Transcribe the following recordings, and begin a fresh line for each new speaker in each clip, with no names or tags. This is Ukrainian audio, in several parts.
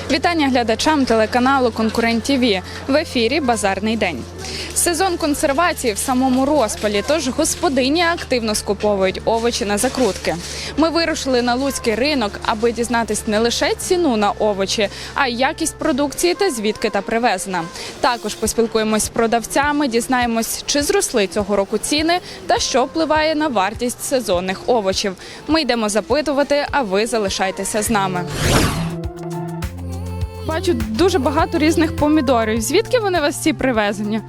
Вітання глядачам телеканалу «Конкурент ТВ». В ефірі «Базарний день». Сезон консервації в самому розпалі, тож господині активно скуповують овочі на закрутки. Ми вирушили на луцький ринок, аби дізнатись не лише ціну на овочі, а й якість продукції та звідки та привезена. Також поспілкуємось з продавцями, дізнаємось, чи зросли цього року ціни та що впливає на вартість сезонних овочів. Ми йдемо запитувати, а ви залишайтеся з нами. Бачу дуже багато різних помідорів. Звідки вони у вас всі привезені?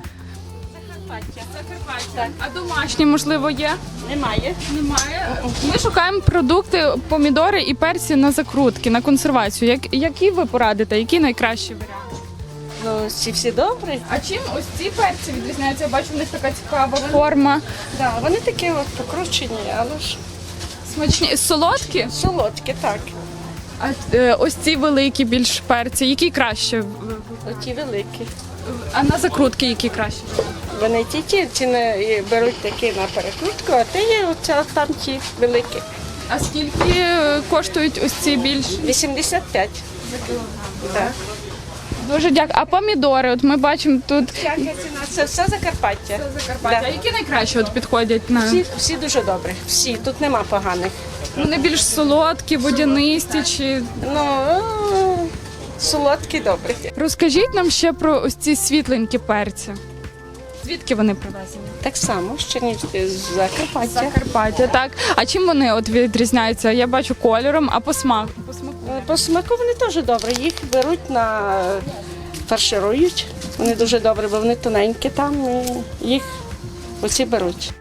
Закарпаття. А домашні, можливо, є?
Немає.
Немає. Ми шукаємо продукти, помідори і перці на закрутки, на консервацію. Які ви порадите? Які найкращі варіанти?
Ну, всі добрі.
А чим ось ці перці відрізняються? Я бачу, в них така цікава форма.
Да, вони такі от покручені, але ж
Смачні. Солодкі?
солодкі, так.
А ось ці великі більш перці. Які краще?
Оті великі.
А на закрутки які краще?
Вони ті не беруть такі на перекрутку, а те є оця там ті великі.
А скільки коштують ось ці більш?
85. Так.
Дуже дякую. А помідори, от ми бачимо тут
Яка ціна? Це все Закарпаття.
Закарпаття.
Да.
А які найкраще от підходять на
Всі дуже добрі. Всі, тут нема поганих.
вони більш солодкі, водянисті чи
Ну, солодкі добрі.
розкажіть нам ще про ось ці світленькі перці. Звідки вони привезені?
Так само, ще ніж з Закарпаття.
Закарпаття, так. А чим вони от відрізняються? Я бачу кольором, а по смаку?
По смаку вони теж добрі. Їх беруть на фарширують. Вони дуже добрі, бо вони тоненькі там. І їх оці беруть.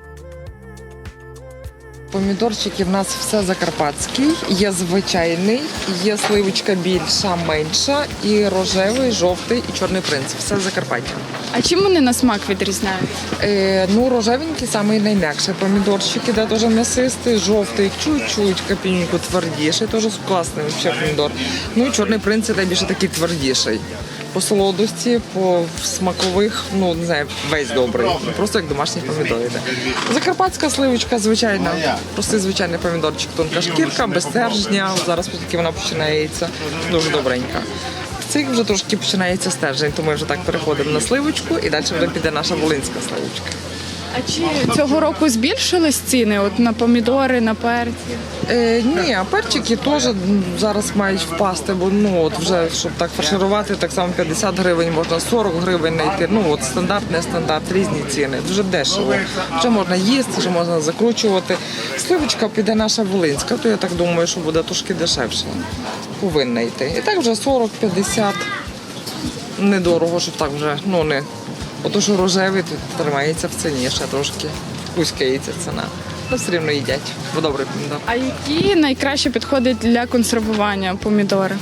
Помідорчики в нас все закарпатський, є звичайний, є сливочка більша, менша, і рожевий, жовтий і чорний принц. Все Закарпаття.
А чим вони на смак відрізняються?
Ну, рожевенький самий найм'якший помідорчик, іде теж м'ясистий, жовтий, чуть-чуть капіньку твердіший, теж класний взагалі помідор. Ну і чорний принц іде більше такий твердіший. По солодості, по смакових, ну не знаю, весь добрий. Просто як домашній помідор йде. Закарпатська сливочка звичайна, простий звичайний помідорчик, тонка шкірка, без стержня. Зараз тільки вона починається, дуже добренька. В цих вже трошки починається стержень, то ми вже так переходимо на сливочку і далі вже піде наша волинська сливочка.
А чи цього року збільшились ціни от на помідори, на перці?
Ні, а перчики теж зараз мають впасти, бо ну от вже щоб так фарширувати, так само 50 гривень, можна 40 гривень знайти. Ну от стандарт, не стандарт, різні ціни. Дуже дешево. Вже можна їсти, вже можна закручувати. Сливочка піде наша волинська, то я так думаю, що буде трошки дешевше. Повинна йти. І так вже 40-50. Недорого, щоб так вже, ну не. Ото що рожевий тут тримається в ціні, ще трошки кузькається ціна. Ну, все рівно їдять, бо добрий помідор.
А які найкраще підходять для консервування помідори?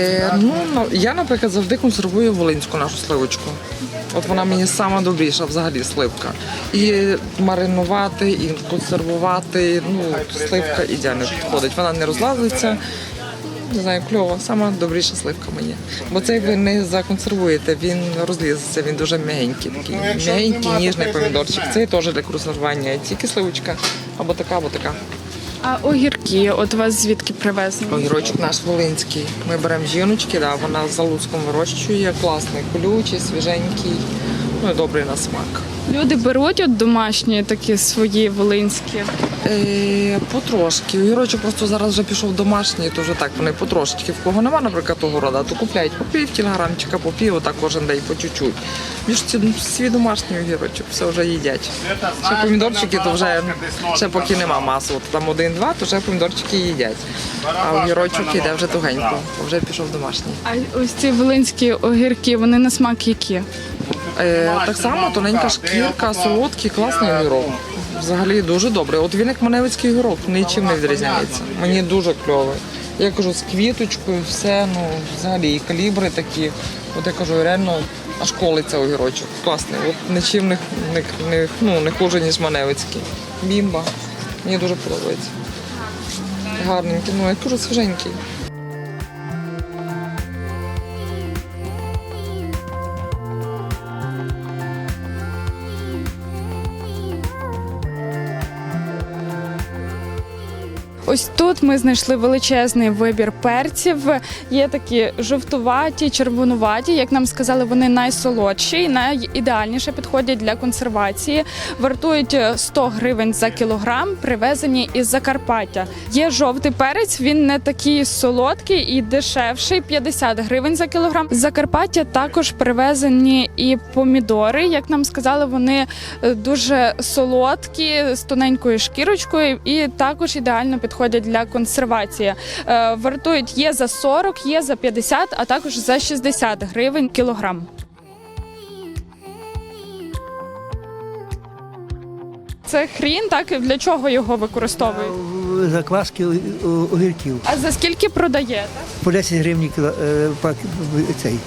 Я, наприклад, завжди консервую волинську нашу сливочку. От вона мені сама добріша взагалі сливка. І маринувати, і консервувати, ну, сливка ідеально підходить. Вона не розлазиться. Не знаю, кльово, сама добріша сливка мені. Бо цей ви не законсервуєте, він розлізеться, він дуже м'ягенький, такий м'ягенький, ніжний помідорчик. Цей теж для консервування, тільки сливочка або така, або така.
А огірки, от вас звідки привезені?
Огірочок наш волинський. Ми беремо жіночки, да, вона з Залуцьком вирощує, класний, колючий, свіженький, ну і добрий на смак.
Люди беруть от домашні такі свої волинські.
Потрошки. Огірочок просто зараз вже пішов домашній, то вже так вони потрошки. В кого нема, наприклад, того рода, то купляють по пів кілограмчика, по пів, отак кожен день по чуть-чуть. Більш свій домашній огірочок, все вже їдять. Ще помідорчики, то вже ще поки нема маси, от там 1-2, то вже помідорчики їдять. А огірочок йде вже тугенько, вже пішов домашній.
А ось ці волинські огірки, вони на смак які?
Так само тоненька шкірка, солодкий, класний огірок. Взагалі дуже добре. От він як маневицький огірок, нічим не відрізняється. Мені дуже кльовий. Я кажу, з квіточкою, все, ну, взагалі, і калібри такі. От я кажу, реально аж колиться огірочок. Класний. От нічим не хуже, ніж маневицький. Бімба. Мені дуже подобається. Гарненький, ну, я кажу, свіженький.
Ось тут ми знайшли величезний вибір перців. Є такі жовтуваті, червонуваті. Як нам сказали, вони найсолодші і найідеальніше підходять для консервації. Вартують 100 гривень за кілограм, привезені із Закарпаття. Є жовтий перець, він не такий солодкий і дешевший, 50 гривень за кілограм. З Закарпаття також привезені і помідори. Як нам сказали, вони дуже солодкі, з тоненькою шкірочкою і також ідеально підходять для консервації. Вартують є за 40, є за 50, а також за 60 гривень кілограм. Це хрін, так? Для чого його використовують?
Закваски огірків.
А за скільки продаєте?
По 10 гривень цей.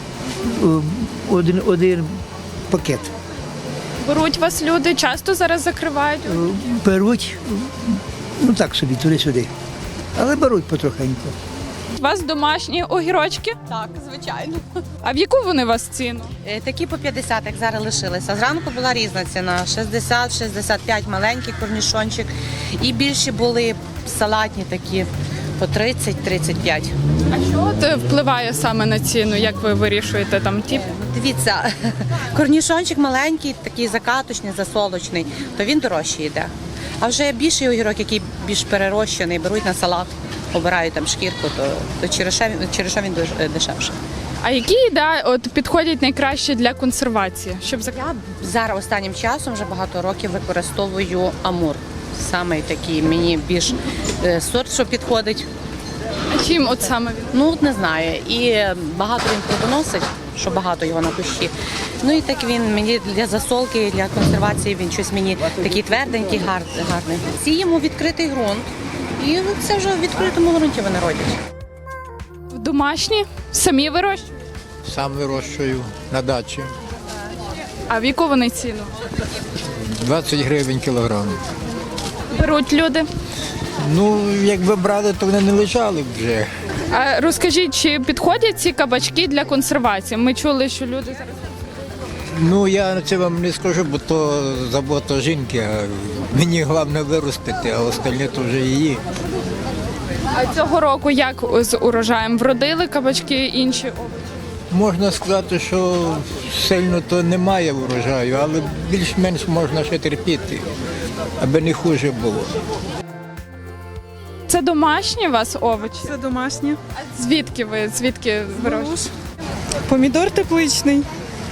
Один пакет.
Беруть вас люди, часто зараз закривають?
Беруть, ну так собі, туди-сюди. Але беруть потрохеньку.
У вас домашні огірочки?
Так, звичайно.
А в яку вони у вас ціну?
Такі по 50, як зараз лишилися. Зранку була різна ціна: 60, 65, маленький корнішончик. І більші були салатні такі по 30-35.
А що от впливає саме на ціну? Як ви вирішуєте там ті?
Дивіться, корнішончик маленький, такий закаточний, засолочний, то він дорожче йде. А вже більший огірок, який більш перерощений, беруть на салат, обирають там шкірку, то через що він дешевший.
А які от підходять найкраще для консервації? Щоб
Я зараз останнім часом вже багато років використовую амур. Саме такий мені більш сорт, що підходить.
А чим от саме він?
Ну, от не знаю. І багато він плодоносить, що багато його на кущі. Ну і так він мені для засолки, для консервації він щось мені такий тверденький, гарний. Сіємо відкритий ґрунт. І це вже в відкритому ґрунті вони родять.
Домашні? Самі вирощують?
Сам вирощую на дачі.
А в яку вони ціну?
20 гривень кілограм.
Беруть люди?
Ну, якби брали, то вони не лежали б вже.
А розкажіть, чи підходять ці кабачки для консервації? Ми чули, що люди зараз...
Ну, я це вам не скажу, бо то забота жінки, а мені головне виростити, а остальне то вже її.
А цього року як з урожаєм? Вродили кабачки інші овочі?
Можна сказати, що сильно то немає врожаю, але більш-менш можна ще терпіти, аби не хуже було.
Це домашні у вас овочі?
Це домашнє.
Звідки ви? Звідки вирощуєте?
Помідор тепличний.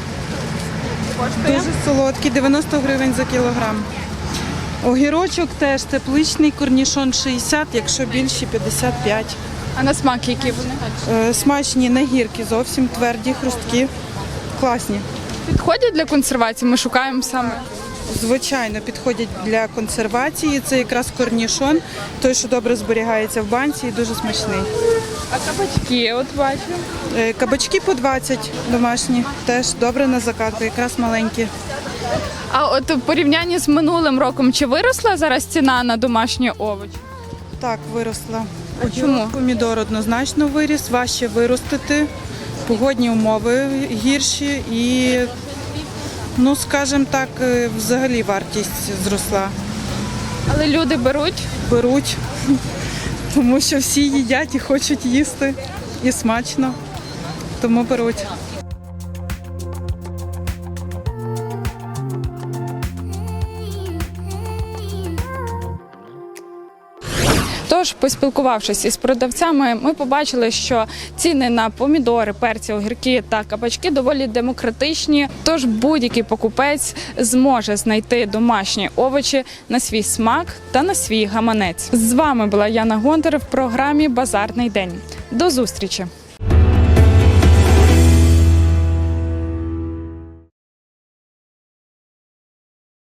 Дуже солодкий, 90 гривень за кілограм. Огірочок теж тепличний, корнішон 60, якщо більші 55.
А на смак які вони?
Смачні, не гіркі, зовсім тверді, хрусткі, класні.
Підходять для консервації? Ми шукаємо саме.
Звичайно, підходять для консервації. Це якраз корнішон, той, що добре зберігається в банці і дуже смачний.
А кабачки, от бачу.
Кабачки по 20 домашні, теж добре на закатку, якраз маленькі.
А от в порівнянні з минулим роком, чи виросла зараз ціна на домашні овочі?
Так, виросла.
А чому?
Помідор однозначно виріс, важче виростити, погодні умови гірші і, ну, скажімо так, взагалі вартість зросла.
Але люди беруть?
Беруть, тому що всі їдять і хочуть їсти, і смачно, тому беруть.
Тож, поспілкувавшись із продавцями, ми побачили, що ціни на помідори, перці, огірки та кабачки доволі демократичні. Тож будь-який покупець зможе знайти домашні овочі на свій смак та на свій гаманець. З вами була Яна Гонтар в програмі «Базарний день». До зустрічі!